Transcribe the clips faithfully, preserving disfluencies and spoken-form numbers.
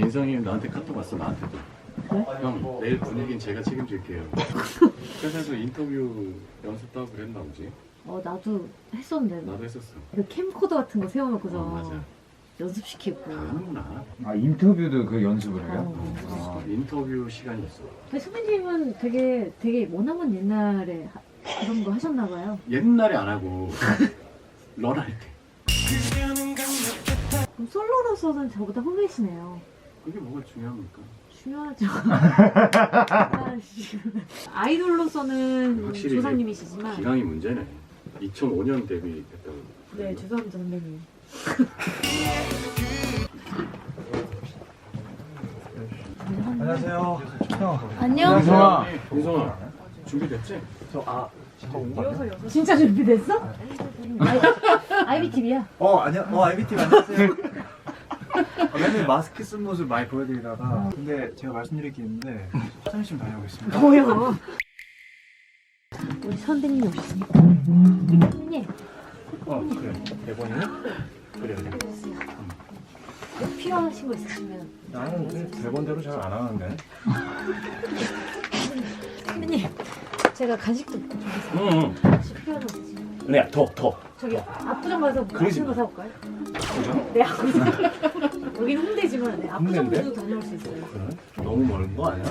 민성이 나한테 카톡 왔어. 나한테도. 네? 형 내일 분위기는 제가 책임질게요. 회사에서 인터뷰 연습도 하고 그랬나 보지. 어 나도 했었는데. 나도 했었어. 그 캠코더 같은 거 세워놓고서 어, 맞아. 연습시키고. 다 하는구나. 아 인터뷰도 그 연습을 해요? 어. 아, 인터뷰 시간이 있어. 근데 선배님은 되게 되게 머나먼 옛날에 하- 그런 거 하셨나봐요. 옛날에 안 하고 런할 때. 그럼 솔로로서는 저보다 후배시네요. 그게 뭐가 중요합니까? 중요하죠. 아이씨. 아이돌로서는 확실히 조상님이시지만. 기강이 문제네. 이천오 년 데뷔했다고. 네, 죄송합니다 선배님. 안녕하세요. 안녕. 민성아. 민성아 준비됐지? 저아 진짜 준비됐어? 아이비티비야. 어 안녕. 어 아이비티비 안녕하세요. 어, 맨날 마스크 쓴 모습 많이 보여드리다가 근데 제가 말씀드릴 게 있는데 화장실 좀 다녀오겠습니다. 뭐야? 우리 선배님이 오셨으니까. 선배님. 어 그래. 대본이네? 그래 그래. 뭐 필요하신 거 있으시면. 나는 그 대본대로 잘 안 하는데. 선배님, 제가 간식도 준비했어요. 응. 혹시 필요한 거 있으시면. 네, 더 더. 저기 압구정 가서 그러지 맛있는 거 마. 사올까요? 그죠? 네, 압구정. 여기는 홍대지만 네, 압구정도 홍대인데? 다녀올 수 있어요. 그래? 너무 멀은 거 아니야?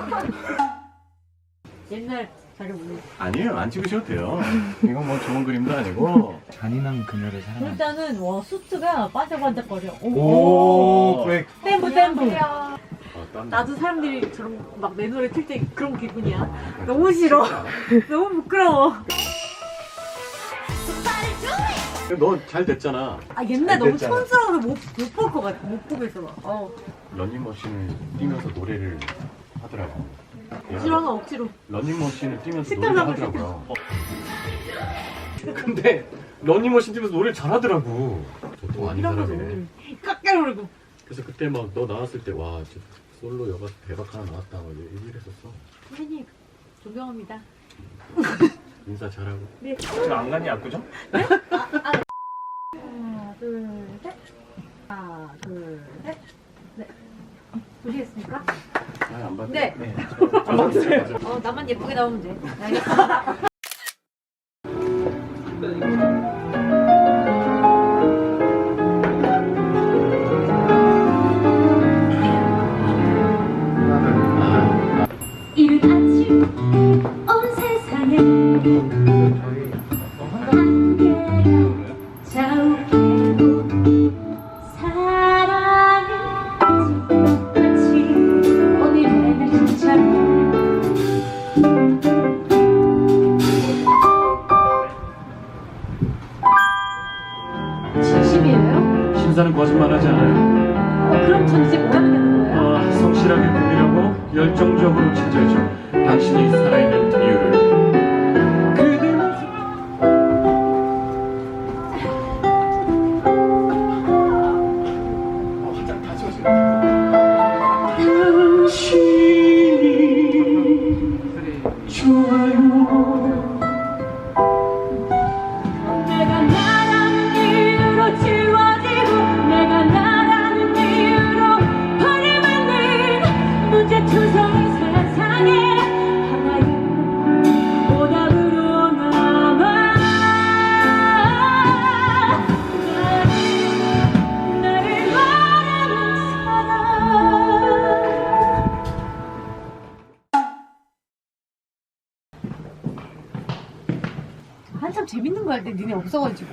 옛날 자료 보내. 아니에요. 안 찍으셔도 돼요. 이건 뭐 좋은 그림도 아니고. 잔인한 그녀를 사랑한다. 일단은 와 수트가 반짝반짝거려. 오 브레이크. 땜부 땜부. 어, 땀 나. 나도 사람들이 저런 막 내 노래 틀 때 그런 기분이야. 아, 너무 싫어. 진짜? 너무 부끄러워. 너 잘 됐잖아. 아 옛날 잘 너무 됐잖아. 촌스러워서 못못 볼 것 같아. 못 보겠어 막. 어. 런닝머신을 뛰면서 노래를 하더라고. 싫어하면 억지로. 런닝머신을 뛰면서 식당 노래를 가고 하더라고요. 어. 근데 런닝머신 뛰면서 노래를 잘하더라고. 보통 아닌 이런 거 사람이네. 깎아오르고. 그래서 그때 막 너 나왔을 때 와 진짜 솔로 여가 대박 하나 나왔다 막 얘기를 했었어. 선배님 존경합니다. 인사 잘하고. 네. 지금 안 갔니 압구정? 하나 둘 셋. 하나 둘 셋. 네. 보시겠습니까? 아안 봤네. 네. 네. 어 나만 예쁘게 나오면 돼. 알겠습니다. 이른 아침 온 세상에 함께가 자욱해도 사랑은 아직같이 오늘 해질처럼 진심이에요? 신사는 거짓말하지 않아요. 어, 그럼 전 이제 뭐 하면 되는 거예요? 아, 성실하게 꾸미려고 열정적으로 찾아야죠. 당신이 살아있는 이유를. 그대 모습. 어, 화장 다 지워지네. 당신이 좋아요. 내가 나라는 이유로 지워지고 내가 나라는 이유로 버림받는 문제투성이 세상에 하나의 오답으로 남아 나를, 나를 바라는 사람. 한참 재밌는 거 할 때 니네 없어가지고.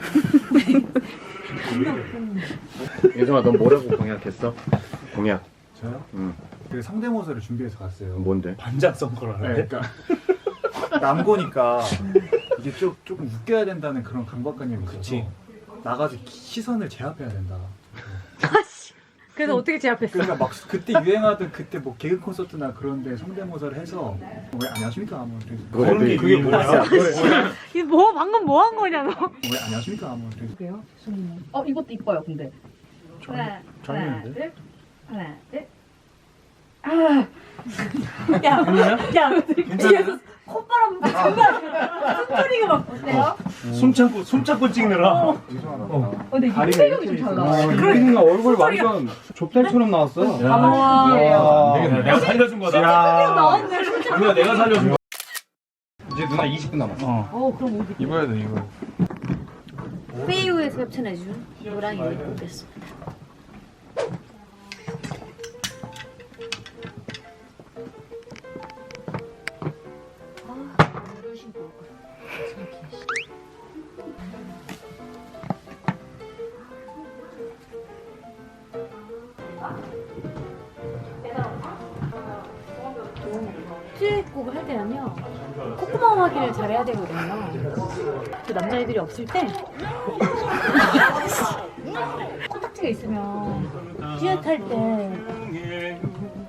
예성아, 넌 뭐라고 공약했어? 공약. 저요? 응. 그 성대모사를 준비해서 갔어요. 뭔데? 반장 선거라는데. 네, 그러니까 남고니까 이게 좀 조금 웃겨야 된다는 그런 강박관념이 있어서 그치. 나가서 시선을 제압해야 된다. 그래서 어떻게 제압했어? 그러니까 막 그때 유행하던 그때 뭐 개그 콘서트나 그런데 성대모사를 해서 왜 안녕하십니까 뭐 그래서 그런 게 그게 뭐야? 이 뭐 방금 뭐 한 거냐 너? 왜 안녕하십니까 뭐 그래서 그래요? 죄송해요. 어 이것도 이뻐요 근데 하나, 하나, 잘했는데? 둘, 하나, 둘. 야, 야, 뒤에서 콧바람 장난 아니야. 숨소리가 막 어때요? 숨 참고 숨 참고 찍느라. 어, 근데 이게 체격이 좀 달라. 그러니까 얼굴 완전 좁쌀처럼 나왔어. 아, 내가, 내가 살려준 거다. 나왔네. 누나 내가 살려준 거. 이제 누나 이십 분 남았어. 어. 어, 그럼 어디? 입어야 돼 이거. 페이우에서 협찬해준 노랑이 입고 오겠습니다. 아, 이런 신고 올 거야. 수익곡을 할 때는요 콧구멍 확인을 잘해야 되거든요. 저 남자애들이 없을 때 코딱지가 있으면 듀엣할 때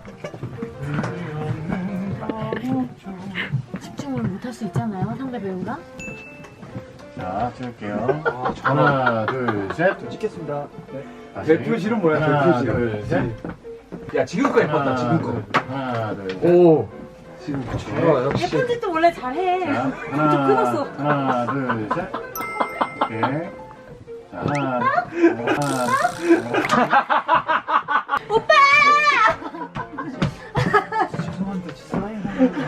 집중을 못할 수 있잖아요, 상대 배우가. 자, 찍을게요. 하나, 둘, 셋. 찍겠습니다. 네. 다시. 대표실은 뭐야, 하나, 대표실. 둘, 셋. 야 지금 거 예뻤다 지금 거. 하나, 둘, 셋. 오. 지금 거 좋아 역시. 예쁜짓도 원래 잘해. 자, 좀 하나, 끊었어. 하나, 둘, 셋. 오케이. 자, 하나, 하나. 죄송한데 사인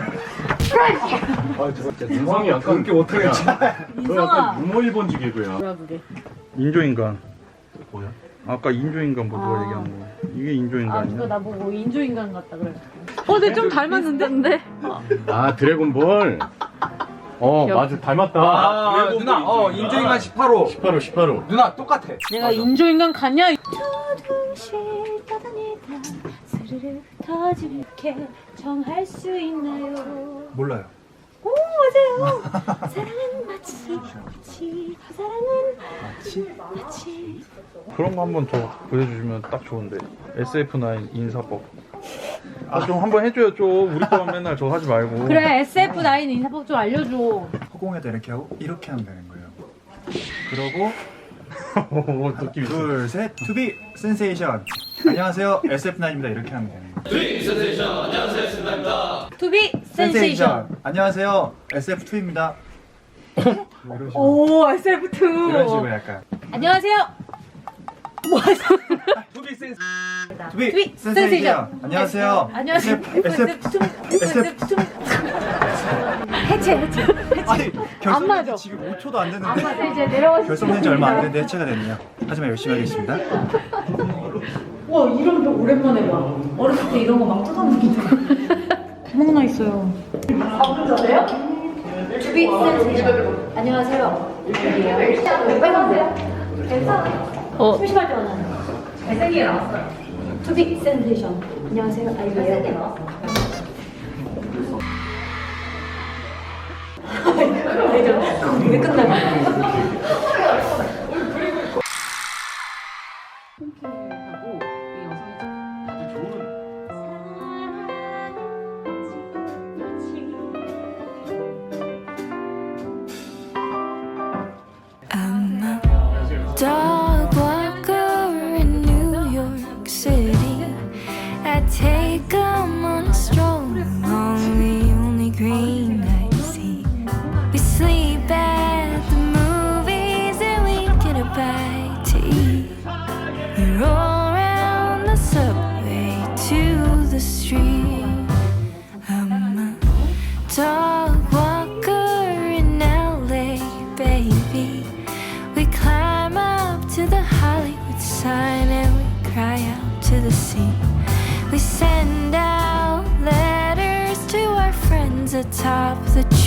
아 진짜 인성이 약간 그렇게 못하겠지. 너 인성아. 약간 유머 일본직이고요. 뭐야 그게? 인조인간. 뭐야? 아까 인조인간 뭐 누가 아. 얘기한 거. 이게 아 인조인간이야. 그거 나보고 인조인간 같다 그래. 어, 근데 좀 닮았는데? 아, 드래곤볼. 어, 맞아. 닮았다. 아 누나 어 인조인간 십팔 호. 십팔 호, 십팔 호. 누나 똑같아. 내가 인조인간 같냐? 조금씩 떠다니다 스르르 터지게 정할 수 있나요? 몰라요. 오 맞아요. 사랑은 마치 마치 사랑은 마치 마치 그런 거 한번 더 보여주시면 딱 좋은데. 에스에프 나인 인사법. 아, 좀 한번 해줘요, 좀. 우리 거만 맨날 저 하지 말고. 그래 에스에프 나인 인사법 좀 알려줘. 허공에다 이렇게 하고 이렇게 하면 되는 거예요. 그러고 오, 느낌 있어. 둘, 셋, 투비 센세이션. 안녕하세요, 에스에프 나인입니다. 이렇게 하면 되는 거예요. 투비 센세이션. 안녕하세요, 에스에프 투입니다. 이런 식으로, 오 에스에프 투. 이런 식으로 약간 안녕하세요. 뭐 하세요? 투비 센스. 투비 투비 센세이션. 센세이션. 안녕하세요, 안녕하세요. 에스에프 투. 에스에프 투. 해체 해체. 아니 안 결성된 맞아. 지 지금 오 초도 안 안 됐는데 맞아 이제 내려와. 결성된 지 얼마 안 됐는데 해체가 됐네요. 하지만 열심히 하겠습니다. 와 이런 거 오랜만에 봐. 어렸을 때 이런 거 막 뜯었는데. 구멍 나 있어요. 아 그러세요? 투비 센세이션. 안녕하세요. 여기에요. 빨간색. 괜찮아요. 어. 심심할 때 만나요. 잘생기게 나왔어요. 투비 센세이션. 안녕하세요. 아이예요. 잘생기게 나왔어. 왜 끝나요? 홈케하고 이 영상이 I'm a dog walker in New York City. I take 'em on a stroll along the only green I see. We sleep at the movies and we get a bite to eat. We roll around the subway to the street. I'm a dog walker in L A, baby. We climb up to the Hollywood sign and we cry out to the sea. We send out letters to our friends atop the